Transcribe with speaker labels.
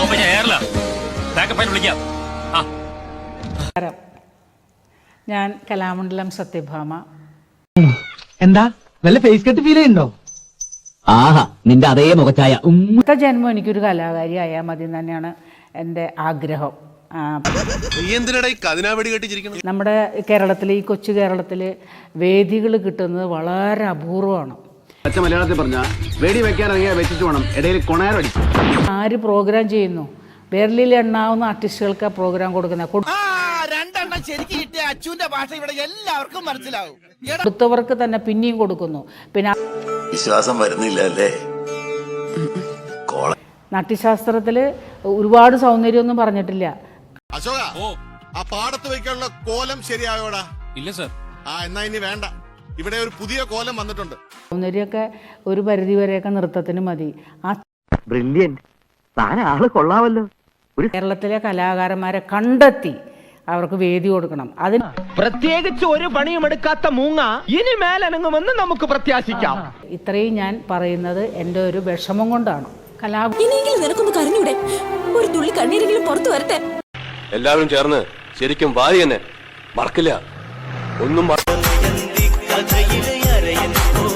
Speaker 1: ഞാൻ കലാമണ്ഡലം സത്യഭാമ.
Speaker 2: എന്താ വല്ല ഫേസ് കട്ട് ഫീൽ ചെയ്യുന്നുണ്ടോ?
Speaker 3: ആഹാ, നിന്റെ അതേ മുഖച്ചായ.
Speaker 1: ജന്മം എനിക്കൊരു കലാകാരി ആയാൽ മതി തന്നെയാണ് എൻ്റെ ആഗ്രഹം. നമ്മുടെ കേരളത്തിൽ, ഈ കൊച്ചു കേരളത്തിൽ വേദികൾ കിട്ടുന്നത് വളരെ അപൂർവമാണ്.
Speaker 4: മലയാളത്തിൽ പറഞ്ഞ വെടി വെക്കാൻ വെച്ചിട്ട് വേണം ഇടയിൽ കൊണയറടി.
Speaker 1: ആര് പ്രോഗ്രാം ചെയ്യുന്നു? വിരലിൽ എണ്ണാവുന്ന ആർട്ടിസ്റ്റുകൾക്ക് പ്രോഗ്രാം കൊടുക്കുന്ന കൊടുത്തവർക്ക് തന്നെ പിന്നെയും കൊടുക്കുന്നു. പിന്നെ
Speaker 5: വിശ്വാസം വരുന്നില്ല അല്ലേ?
Speaker 1: നാട്യശാസ്ത്രത്തിൽ ഒരുപാട് സൗന്ദര്യമൊന്നും പറഞ്ഞിട്ടില്ല.
Speaker 6: അശോക, ആ പാടത്ത് വയ്ക്കാനുള്ള കോലം ശരിയായോടാ?
Speaker 7: ഇല്ല സർ.
Speaker 6: എന്നാ ഇനി വേണ്ട, ഇവിടെ ഒരു പുതിയ കോലം വന്നിട്ടുണ്ട്.
Speaker 1: സൗന്ദര്യമൊക്കെ ഒരു പരിധി വരെയൊക്കെ നൃത്തത്തിന് മതി.
Speaker 3: ബ്രില്യന്റ്, താൻ ആള് കൊള്ളാമല്ലോ.
Speaker 1: കേരളത്തിലെ കലാകാരന്മാരെ കണ്ടെത്തി അവർക്ക് വേദി കൊടുക്കണം. അതിന്
Speaker 2: പ്രത്യേകിച്ച് ഒരു പണിയും എടുക്കാത്ത മൂങ്ങ ഇനി മേലനങ്ങുമെന്ന് നമുക്ക് പ്രത്യാശിക്കാം.
Speaker 1: ഇത്രയും ഞാൻ പറയുന്നത് എൻ്റെ ഒരു വിഷമം കൊണ്ടാണ്.
Speaker 8: ഇനിയെങ്കിലും നിനക്കൊന്ന് കരഞ്ഞൂടെ? ഒരു തുള്ളി കണ്ണീരെങ്കിലും പുറത്തു വരട്ടെ.
Speaker 9: എല്ലാവരും ചേർന്ന് ശരിക്കും വാരി തന്നെ മറക്കില്ല ഒന്നും.